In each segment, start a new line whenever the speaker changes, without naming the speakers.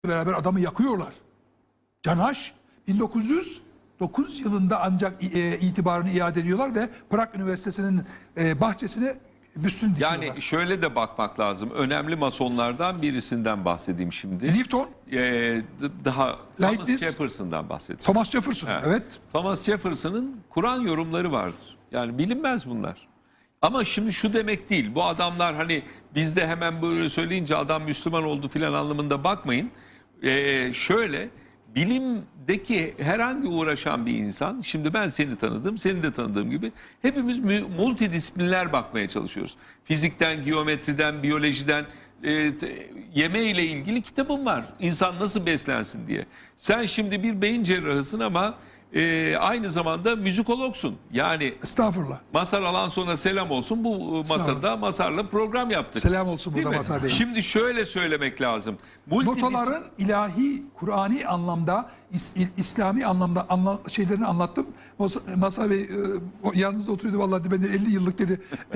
beraber adamı yakıyorlar. Canaş 1909 yılında ancak itibarını iade ediyorlar ve Prag Üniversitesi'nin bahçesine büstünü dikiyorlar.
Yani şöyle de bakmak lazım. Önemli masonlardan birisinden bahsedeyim şimdi.
Newton,
Daha
Leibniz,
Thomas Jefferson'dan bahsedeyim.
Thomas Jefferson, evet.
Thomas Jefferson'ın Kur'an yorumları vardır. Yani bilinmez bunlar. Ama şimdi şu demek değil. Bu adamlar hani bizde hemen böyle söyleyince adam Müslüman oldu filan anlamında bakmayın. Şöyle bilimdeki herhangi uğraşan bir insan, şimdi ben seni tanıdım, seni de tanıdığım gibi hepimiz multidisipliner bakmaya çalışıyoruz. Fizikten, geometriden, biyolojiden, yeme ile ilgili kitabım var. İnsan nasıl beslensin diye. Sen şimdi bir beyin cerrahısın ama aynı zamanda müzikologsun. Yani
Estağfurullah.
Mazhar Alanson'a selam olsun. Bu masada Mazhar'la program yaptık.
Selam olsun burada Mazhar Bey.
Şimdi şöyle söylemek lazım.
Notaların ilahi, Kur'ani anlamda, İslami anlamda şeylerini anlattım. Mazhar Bey yanınızda oturuyordu, vallahi ben de 50 yıllık dedi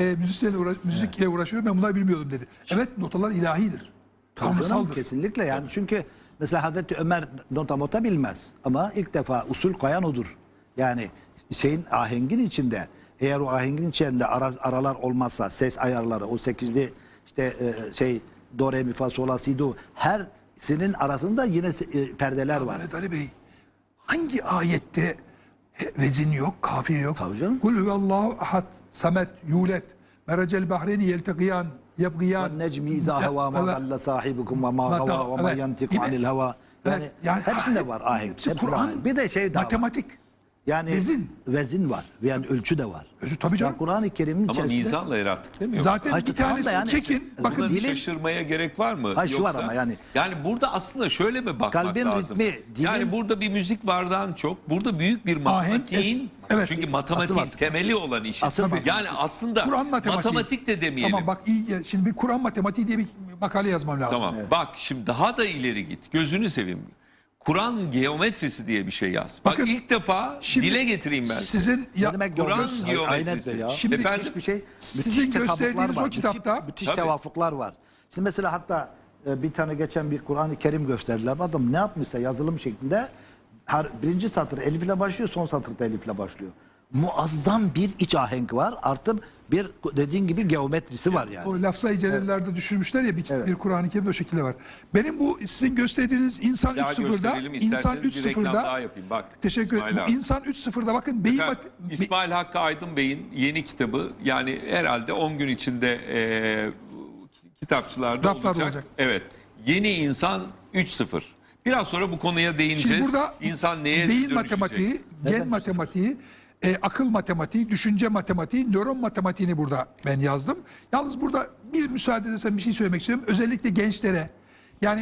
müzikle uğraşıyorum, ben bunları bilmiyordum dedi. Evet, notalar ilahidir. Tanrısaldır.
Kesinlikle yani, çünkü mesela Hazreti Ömer nota bilmez ama ilk defa usul koyan odur. Yani ahengin içinde, eğer o ahengin içinde aralar olmazsa, ses ayarları, o 8'li işte do re mi fa sol la si do, her senin arasında yine perdeler var.
Mehmet Ali Bey, hangi ayette vezin yok, kafiye yok?
Tabii canım.
Kul huvallahu ahad, samet, yulet, merecel bahreyni yelteqiyan, yebgiyan.
Necmi izâ hevâ ma dalla sahibukum ve ma gavâ ve ma yantiku anil heva. Yani hepsinde var ahenk.
Hepsi Kur'an.
Bir de şey daha
matematik.
var. Yani vezin var. Yani ölçü de var.
Tabii canım.
Kur'an-ı Kerim'in
Ama
içerisinde...
mizanla yarattık değil mi?
Zaten
Hayır,
bir
tamam da
tanesini
yani
çekin. Bakın
Buna
dilin-
şaşırmaya gerek var mı?
Hayır, şu var ama yani-
Yani burada aslında şöyle mi bakmak
Kalbin
lazım?
ritmi, dilin-
Yani burada bir müzik vardan çok, burada büyük bir matematiğin,
evet.
çünkü matematiğin
Asıl
temeli olan işi.
Asıl mantık.
Yani aslında
Kur'an matematiği.
matematik de demeyelim.
Tamam bak, şimdi bir Kur'an matematiği diye bir makale yazmam lazım.
Tamam. Bak şimdi daha da ileri git. Gözünü seveyim. Kur'an geometrisi diye bir şey yaz. Bak
Bakın,
ilk defa
şimdi
dile getireyim ben.
Sizin
Ne demek
Kur'an
geometrisi?
geometrisi.
Aynen de ya.
Şimdi
Efendim?
Bir şey.
Sizin
Müthiş
gösterdiğiniz
tetabuklar
o
var,
kitapta-
müthiş
Tabii.
tevafuklar var. Şimdi mesela hatta bir tane geçen bir Kur'an-ı Kerim gösterdiler. Adam ne yapmışsa yazılım şeklinde birinci satır elif ile başlıyor, son satırda elif ile başlıyor. Muazzam bir iç ahenk var. Artı bir dediğin gibi geometrisi var yani.
o lafzayı celallerde düşürmüşler ya, bir Kur'an-ı Kerim'de o şekilde var. Benim bu sizin gösterdiğiniz İnsan
Daha
3.0'da,
gösterelim,
İnsan
isterseniz bir reklam
3.0'da
daha yapayım. Bak,
teşekkür ederim.
İsmail
Bu
abi.
İnsan 3.0'da bakın beyin
İsmail Hakkı Aydın Bey'in yeni kitabı, yani herhalde 10 gün içinde kitapçılarda
Raflarda olacak.
Evet. Yeni İnsan 3.0. Biraz sonra bu konuya değineceğiz.
Şimdi burada
İnsan neye
beyin
dönüşecek?
matematiği, gen matematiği, akıl matematiği, düşünce matematiği, nöron matematiğini burada ben yazdım. Yalnız burada bir müsaade edersen bir şey söylemek istiyorum. Özellikle gençlere, yani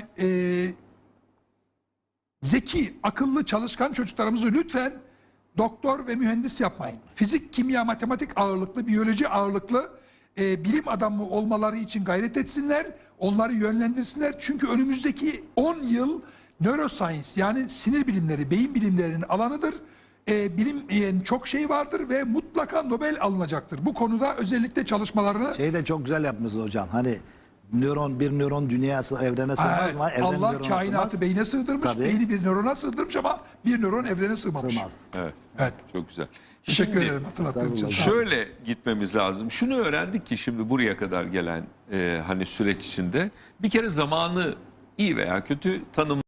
zeki, akıllı, çalışkan çocuklarımızı lütfen doktor ve mühendis yapmayın. Fizik, kimya, matematik ağırlıklı, biyoloji ağırlıklı bilim adamı olmaları için gayret etsinler. Onları yönlendirsinler. Çünkü önümüzdeki 10 yıl neuroscience, yani sinir bilimleri, beyin bilimlerinin alanıdır. Bilim çok şey vardır ve mutlaka Nobel alınacaktır. Bu konuda özellikle çalışmalarını...
Şeyi de çok güzel yapmışsınız hocam. Hani bir nöron dünyası evrene sığmaz
Evet,
mı? Evren
Allah
nörona
kainatı
sığmaz.
beyne sığdırmış,
Tabii.
beyni bir nörona sığdırmış ama bir nöron evrene sığmamış.
Sığmaz.
Evet.
Evet.
Çok güzel.
Teşekkür
Şimdi
ederim hatırlattığım için. Sağ olun.
şöyle gitmemiz lazım. Şunu öğrendik ki şimdi buraya kadar gelen hani süreç içinde bir kere zamanı iyi veya kötü tanım